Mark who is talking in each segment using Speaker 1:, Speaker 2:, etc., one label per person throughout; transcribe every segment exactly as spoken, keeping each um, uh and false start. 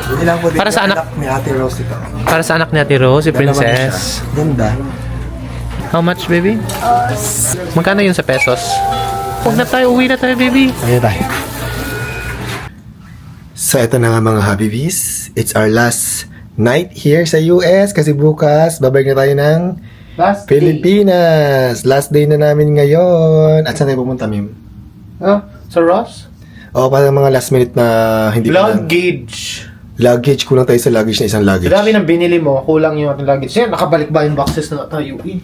Speaker 1: Hindi lang po din.
Speaker 2: Para sa anak?
Speaker 1: Ni Ate Rose ito.
Speaker 2: Para sa anak ni Ate Rose, si
Speaker 1: Dalawa na siya.
Speaker 2: Princess.
Speaker 1: Ganda.
Speaker 2: How much, baby? Magkano yun sa pesos? Huwag na tayo, uwi na tayo, baby.
Speaker 1: Ayan tayo. So, ito na nga mga Habibis. It's our last night here sa U S kasi bukas, babalik na tayo ng
Speaker 2: Last
Speaker 1: Pilipinas. Last day na namin ngayon. At saan tayo pumunta, Mim?
Speaker 2: Oh, sa Ross?
Speaker 1: O, parang mga last minute na hindi pa lang.
Speaker 2: Luggage.
Speaker 1: Luggage. Kulang tayo sa luggage na isang luggage.
Speaker 2: Dami ng binili mo, kulang yung ating luggage. Yan, nakabalik ba yung boxes na tayo eh?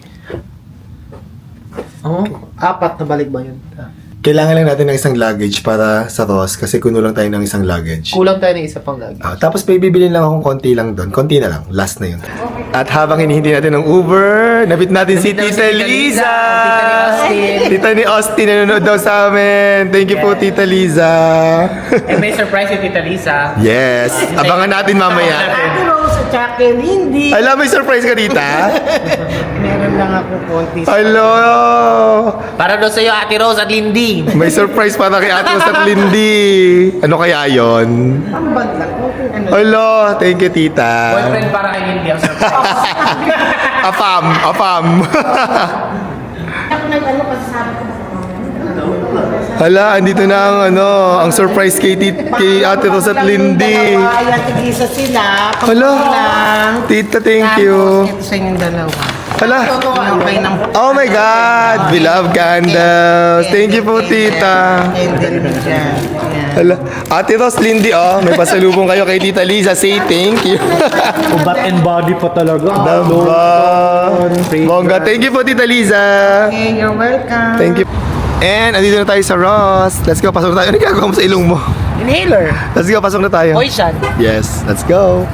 Speaker 2: Oo, apat na balik ba yun? Ah.
Speaker 1: Kailangan lang natin ng isang luggage para sa Ross kasi kuno lang tayo ng isang luggage.
Speaker 2: Kulang tayo ng isa pang luggage.
Speaker 1: Ah, tapos may bibilin lang akong konti lang doon. Konti na lang. Last na yun. At habang hinihintay natin ng Uber, nabit natin si
Speaker 2: Nabit natin
Speaker 1: Tita
Speaker 2: si Tita
Speaker 1: Liza.
Speaker 2: Liza, Tita ni Austin.
Speaker 1: Tita ni Austin nanonood daw sa amin. Thank you po, Tita Liza.
Speaker 2: And may surprise yung Tita Lisa.
Speaker 1: Yes. Abangan natin mamaya.
Speaker 3: Ate Rose at saka Lindy.
Speaker 1: Alam, may surprise ka, Tita?
Speaker 3: Meron lang ako konti.
Speaker 1: Hello!
Speaker 2: Para doon sa'yo, Ate Rose at Lindy.
Speaker 1: May surprise para kay Ate Rose at Lindy. Ano kaya yon?
Speaker 3: Pambag lang. Okay, ano.
Speaker 1: Hello! Thank you, Tita.
Speaker 2: Boyfriend para kay Lindy ang surprise.
Speaker 1: Apam, apam.
Speaker 3: Ako nag-ano kasi sabi ko.
Speaker 1: Hala, andito na ang ano, ang surprise kay, tit, kay Ate Rose at Lindy.
Speaker 3: Dalawa, yung tigisa sila.
Speaker 1: Hala,
Speaker 3: Lang.
Speaker 1: Tita, thank you.
Speaker 3: Tapos ito sa inyong dalawa.
Speaker 1: Hala,
Speaker 3: Okay ng
Speaker 1: oh my God, we love candles. Thank you po, Tita.
Speaker 3: candle dyan. Yan.
Speaker 1: Hala, Ate Rose, Lindy, oh, may pasalubong kayo kay Tita Liza. Say thank you.
Speaker 2: Bat and body pa talaga.
Speaker 1: Damba. Bongga, thank you po, Tita Liza.
Speaker 3: Okay, you're welcome.
Speaker 1: Thank you. And, andito na tayo sa Ross. Let's go, pasok na tayo. Ano ginagawa mo sa ilong mo?
Speaker 2: Inhaler.
Speaker 1: Let's go, pasok na tayo.
Speaker 2: Poison.
Speaker 1: Yes, let's go.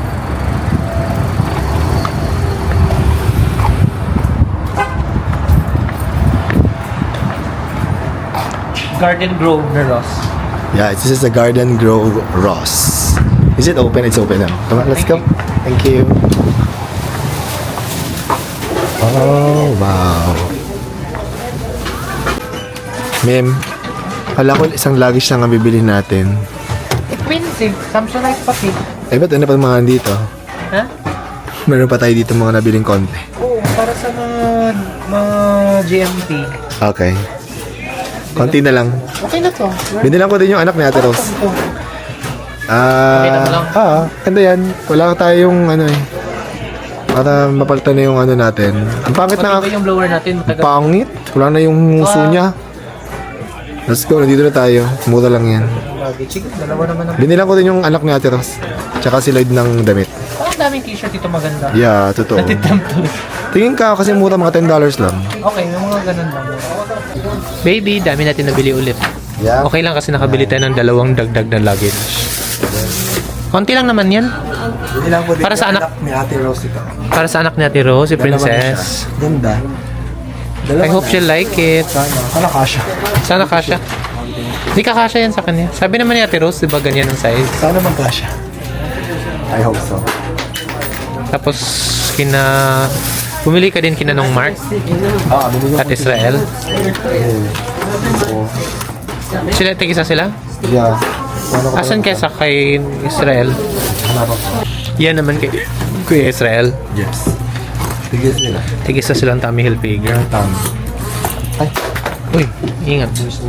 Speaker 2: Garden Grove na Ross.
Speaker 1: Yeah, this is the Garden Grove Ross. Is it open? It's open now. Come on, let's
Speaker 2: Thank
Speaker 1: go. Thank you. Oh, wow. Ma'am, hala ko isang luggage lang ang bibili natin.
Speaker 2: Expensive. Samsonite pati.
Speaker 1: Eh, ba't ano pa mga dito?
Speaker 2: Ha?
Speaker 1: Meron pa tayo dito mga nabiling konti.
Speaker 2: Oo, para sa mga, mga G M T.
Speaker 1: Okay. Konti na lang.
Speaker 2: Okay na to.
Speaker 1: Binilang ko din yung anak ni Ate Rose.
Speaker 2: Ito.
Speaker 1: Ah,
Speaker 2: Okay lang lang.
Speaker 1: ah, ganda yan. Wala tayong ano eh. Para mapalitan na yung ano natin. Ang pangit na,
Speaker 2: Pati ba yung blower natin? Matagal.
Speaker 1: pangit. Wala na yung muso niya. Let's go, nandito na tayo. Mura lang yan.
Speaker 2: Luggage. Sige, dalawa naman ang...
Speaker 1: Binilang ko din yung anak ni Ate Rose. Tsaka si Lloyd ng damit.
Speaker 2: Parang daming t-shirt dito maganda.
Speaker 1: Yeah, totoo.
Speaker 2: Natitempt tuloy.
Speaker 1: Tingin ka kasi mura mga ten dollars lang.
Speaker 2: Okay, may mga ganun lang. Baby, dami natin nabili ulit.
Speaker 1: Yeah.
Speaker 2: Okay lang kasi nakabili tayo ng dalawang dagdag na luggage. Konti lang naman yan.
Speaker 1: Binilang ko din
Speaker 2: Para sa
Speaker 1: yung
Speaker 2: anak-
Speaker 1: ni Ate Rose ito.
Speaker 2: Para sa anak ni Ate Rose, si
Speaker 1: Dalawa na siya.
Speaker 2: Princess.
Speaker 1: Ganda.
Speaker 2: I hope she'll like it.
Speaker 1: Sana kasha.
Speaker 2: Sana kasha. Hindi ka kasha yan sa kanya. Sabi naman ni Ate Rose, di ba ganyan ang size?
Speaker 1: Sana magkasha. I hope so.
Speaker 2: Tapos, kina... Bumili ka din kina nung Mark
Speaker 1: Ah, binilang
Speaker 2: at Israel.
Speaker 1: ko.
Speaker 2: Sila, tigisa sila?
Speaker 1: Yeah. Ano ko
Speaker 2: Asan kesa kay Israel?
Speaker 1: Hanap ako.
Speaker 2: Yan naman kay Kuya Israel.
Speaker 1: Yes. Tigil sila.
Speaker 2: Tigisa silang Tommy Hilfiger.
Speaker 1: Tama. Ay.
Speaker 2: Uy, ingat.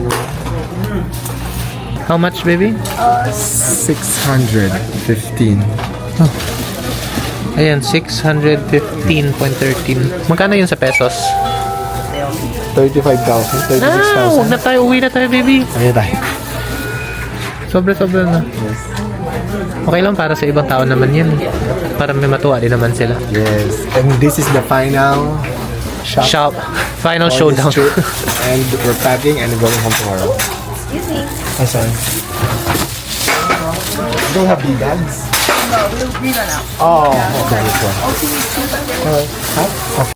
Speaker 2: How much, baby?
Speaker 1: six hundred fifteen.
Speaker 2: Ayan, six hundred fifteen point one three. Magkano yun sa pesos?
Speaker 1: thirty-five thousand. thirty-six
Speaker 2: Ah,
Speaker 1: thousand.
Speaker 2: huwag na tayo. Uwi na tayo, baby.
Speaker 1: Ayan tayo.
Speaker 2: Sobra-sobra na. Okay lang para sa ibang tao naman yan. Para may matuwa din naman sila.
Speaker 1: Yes. And this is the final shop.
Speaker 2: Shop. Final
Speaker 1: for this
Speaker 2: showdown.
Speaker 1: trip. And we're packing and going home tomorrow. Excuse me. Oh, sorry. You don't have big bags? No, we'll be right now. Oh, okay. This one. Alright. Huh?